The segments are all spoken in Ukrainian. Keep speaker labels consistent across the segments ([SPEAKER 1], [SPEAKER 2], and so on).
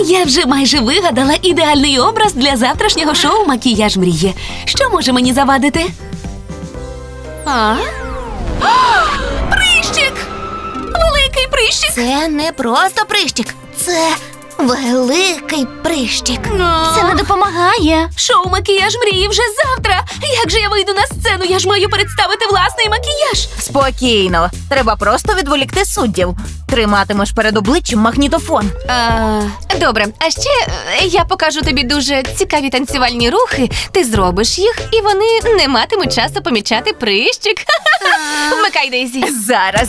[SPEAKER 1] Я вже майже вигадала ідеальний образ для завтрашнього шоу «Макіяж мрії». Що може мені завадити? Прищик! Великий прищик!
[SPEAKER 2] Це не просто прищик. Це великий прищик. Це не допомагає.
[SPEAKER 1] Шоу «Макіяж мрії» вже завтра! Як же я вийду на сцену? Я ж маю представити власний макіяж!
[SPEAKER 3] Спокійно. Треба просто відволікти суддів. Триматимеш перед обличчям магнітофон.
[SPEAKER 4] Добре, а ще я покажу тобі дуже цікаві танцювальні рухи. Ти зробиш їх, і вони не матимуть часу помічати прищик. Вмикай, Дейзі.
[SPEAKER 3] Зараз.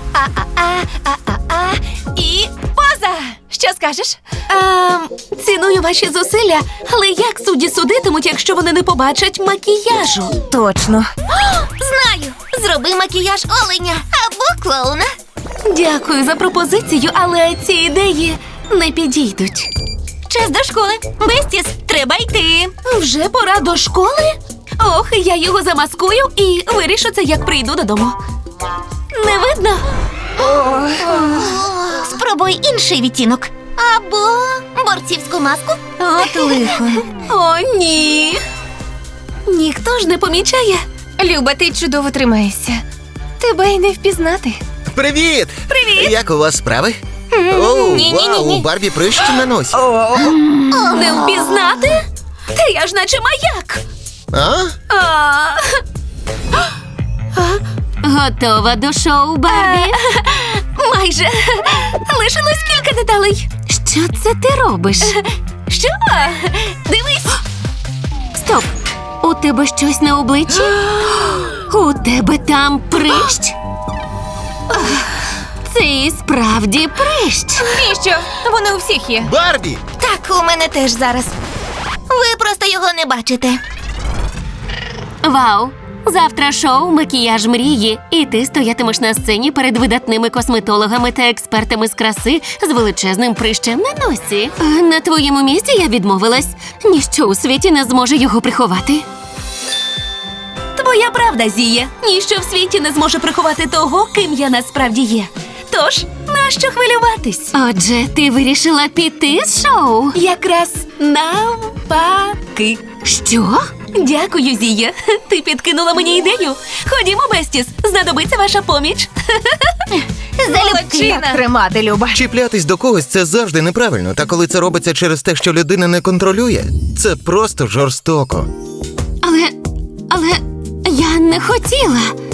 [SPEAKER 4] І поза! Що скажеш?
[SPEAKER 1] Ціную ваші зусилля, але як судді судитимуть, якщо вони не побачать макіяжу?
[SPEAKER 3] Точно.
[SPEAKER 2] Знаю. Зроби макіяж оленя або клоуна.
[SPEAKER 1] Дякую за пропозицію, але ці ідеї не підійдуть.
[SPEAKER 2] Час до школи. Бестіс, треба йти.
[SPEAKER 1] Вже пора до школи? Ох, я його замаскую і вирішу це, як прийду додому. Не видно?
[SPEAKER 2] Спробуй інший відтінок. Або борцівську маску.
[SPEAKER 3] От лихо.
[SPEAKER 1] О, ні. Ніхто ж не помічає.
[SPEAKER 4] Люба, ти чудово тримаєшся. Тебе й не впізнати.
[SPEAKER 5] Привіт!
[SPEAKER 1] Привіт!
[SPEAKER 5] Як у вас справи? О, вау, у Барбі прищ на носі.
[SPEAKER 1] Не впізнати? Та я ж наче маяк.
[SPEAKER 5] А?
[SPEAKER 1] Готова до шоу, Барбі? Майже. Лишилось кілька деталей. Що це ти робиш? Що? Дивись. Стоп. У тебе щось на обличчі? У тебе там прищ? Це і справді прищ.
[SPEAKER 4] І що? Вони у всіх є.
[SPEAKER 5] Барбі!
[SPEAKER 2] Так, у мене теж зараз. Ви просто його не бачите.
[SPEAKER 1] Вау! Завтра шоу «Макіяж мрії», і ти стоятимеш на сцені перед видатними косметологами та експертами з краси з величезним прищем на носі. На твоєму місці я відмовилась. Ніщо у світі не зможе його приховати. Твоя правда, Зіє. Ніщо в світі не зможе приховати того, ким я насправді є. Тож, нащо хвилюватись? Отже, ти вирішила піти з шоу? Якраз навпаки. Що? Дякую, Зія. Ти підкинула мені ідею. Ходімо, Бестіс, знадобиться ваша поміч.
[SPEAKER 3] Як тримати, Люба.
[SPEAKER 5] Чіплятись до когось – це завжди неправильно. Та коли це робиться через те, що людина не контролює, це просто жорстоко.
[SPEAKER 1] Але я не хотіла.